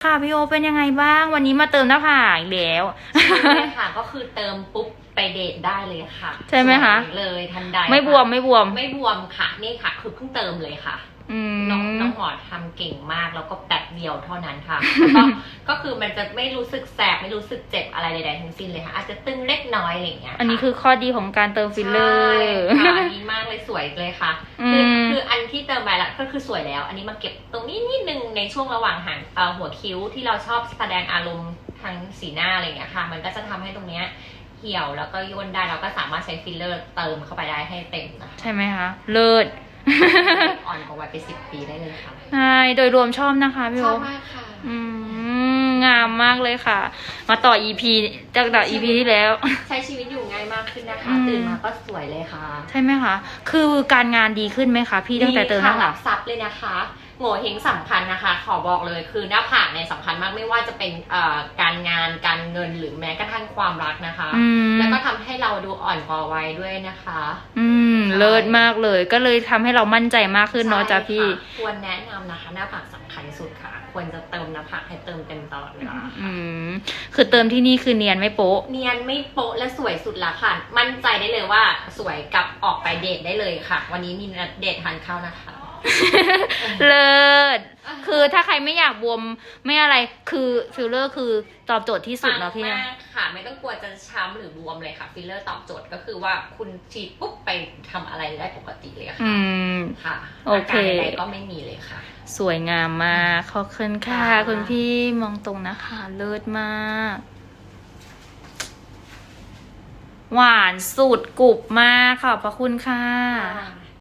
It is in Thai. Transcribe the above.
ค่ะพี่โอเป็นยังไงบ้างวันนี้มาเติมหน้าผากอีกแล้วใช่ค่ะก็คือเติมปุ๊บไปเดทได้เลยค่ะใช่ไหมคะเลยทันใดไม่บวมไม่บวมไม่บวมค่ะนี่ค่ะคือเพิ่งเติมเลยค่ะ น้องหมอทำเก่งมากแล้วก็แป๊บเดียวเท่านั้นค่ะก็คือมันจะไม่รู้สึกแสบไม่รู้สึกเจ็บอะไรใดๆทั้งสิ้นเลยค่ะอาจจะตึงเล็กน้อยอะไรอย่างเงี้ยอันนี้คือข้อดีของการเติมฟิลเลอร์ใช่ค่ะดีมากเลยสวยเลยค่ะคืออันที่เติมไปแล้วก็คือสวยแล้ว อันนี้มาเก็บตรงนี้นิดนึงในช่วงระหว่างหางหัวคิ้วที่เราชอบแสดงอารมณ์ทางสีหน้าอะไรอย่างเงี้ยค่ะมันก็จะทำให้ตรงเนี้ยเหี่ยวแล้วก็ย่นได้เราก็สามารถใช้ฟิลเลอร์เติมเข้าไปได้ให้เต็มนะคะใช่ไหมคะเลิศอ่อนกว่าวัยไป10 ปีได้เลยค่ะใช่โดยรวมชอบนะคะพี่ชโออบมากค่ะงามมากเลยค่ะ มาต่อ EP จากต่อ EP ที่แล้วใช้ชีวิตอยู่ง่ายมากขึ้นนะคะอืมตื่นมาก็สวยเลยค่ะใช่ไหมคะ คือการงานดีขึ้นไหมคะพี่ตั้งแต่เติมหน้าหผาลักบซับเลยนะคะโง่เฮงสำคัญนะคะ ขอบอกเลยคือหน้าผากเนี่ยสำคัญมากไม่ว่าจะเป็นการงานการเงินหรือแม้กระทั่งความรักนะคะ แล้วก็ทำให้เราดูอ่อนกว่าวัยด้วยนะคะเลิศมากเลย ก็เลยทำให้เรามั่นใจมากขึ้นเนาะจ้ะพี่ใช่ค่ะควรแนะนำนะคะหน้าผากสำคัญสุดค่ะ ควรจะเติมหน้าผากให้เติมเต็มตลอดเวลาค่ะคือเติมที่นี่คือเนียนไม่โป๊ะเนียนไม่โป๊ะและสวยสุดละค่ะ มั่นใจได้เลยว่าสวยกับออกไปเดทได้เลยค่ะ วันนี้มีนัดเดททานข้าวนะคะเลิศคือถ้าใครไม่อยากบวมไม่อะไรคือฟิลเลอร์คือตอบโจทย์ที่สุดเนาะพี่ปังนะมากค่ะ ไม่ต้องกลัวจะช้ำหรือบวมเลยค่ะฟิลเลอร์ตอบโจทย์ก็คือว่าคุณฉีดปุ๊บไปทำอะไรได้ปกติเลยค่ะค่ะโอเคอาการใดๆก็ไม่มีเลยค่ะสวยงามมากขอบคุณค่ะค่ะคุณพี่มองตรงนะคะ เลิศมาก หวานสุดกรุบมากขอบพระคุณค่ะค่ะ